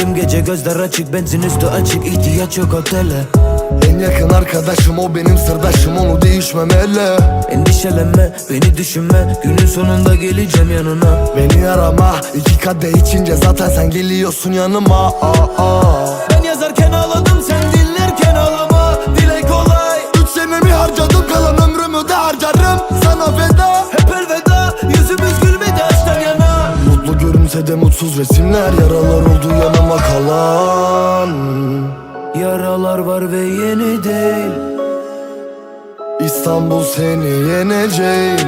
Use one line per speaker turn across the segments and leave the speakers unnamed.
Tüm gece gözler açık, benzin üstü açık, ihtiyaç yok otele.
En yakın arkadaşım o benim sırdaşım, onu değişmemeli.
Endişelenme, beni düşünme, günün sonunda geleceğim yanına.
Beni arama, 2 kadeh içince zaten sen geliyorsun yanıma.
Ben yazarken ağladım, sen dinlerken ağlama. Dile kolay.
3 senemi harcadım, kalan ömrümü de harcarım sana feda.
Hep elveda, yüzümüz gülmedi açtan yana.
Mutlu görünse de mutsuz resimler, yaralar oldu yanıma kalan.
Yaralar var ve yeni değil.
İstanbul seni yeneceğim.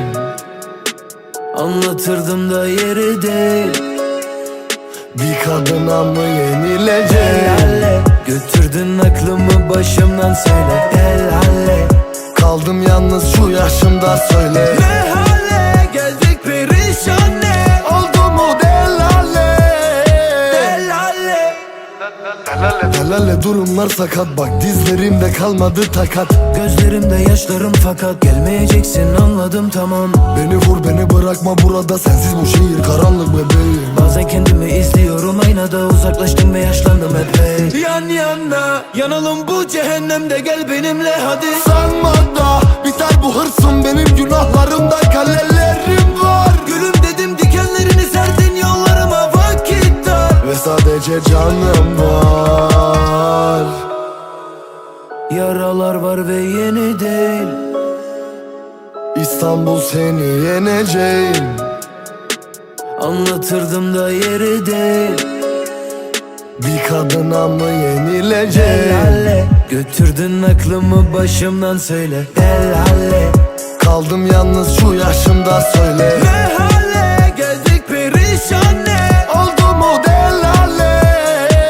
Anlatırdım da yeri değil.
Bir kadına mı yenileceğim?
Helalle, götürdün aklımı başımdan, söyle helalle.
Kaldım yalnız şu yaşımda, söyle
Ne hale geldik perişan, ne
oldu mu delale?
helalle.
Delale durumlar sakat, bak dizlerimde kalmadı takat.
Gözlerimde yaşlarım fakat gelmeyeceksin, anladım tamam.
Beni vur beni bırakma burada, sensiz bu şehir karanlık bebeğim.
Bazen kendimi izliyorum aynada, uzaklaştım ve yaşlandım epey. Yan yana yanalım bu cehennemde, gel benimle hadi.
Sanma da biter bu hırsım, benim günahlarımda kalelerim var.
Gülüm dedim, dikenlerini serdin yollarıma, vakit dar.
Ve sadece canım var.
Yaralar var ve yeni değil.
İstanbul seni yeneceğim.
Anlatırdım da yeri değil.
Bir kadına mı yenileceğim?
Helalle, götürdün aklımı başımdan, söyle helalle.
Kaldım yalnız şu yaşımda, söyle
Ne hale geldik perişan, ne
oldu mu delale?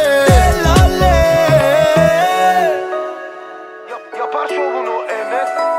helalle.
Yapar şovunu Enes.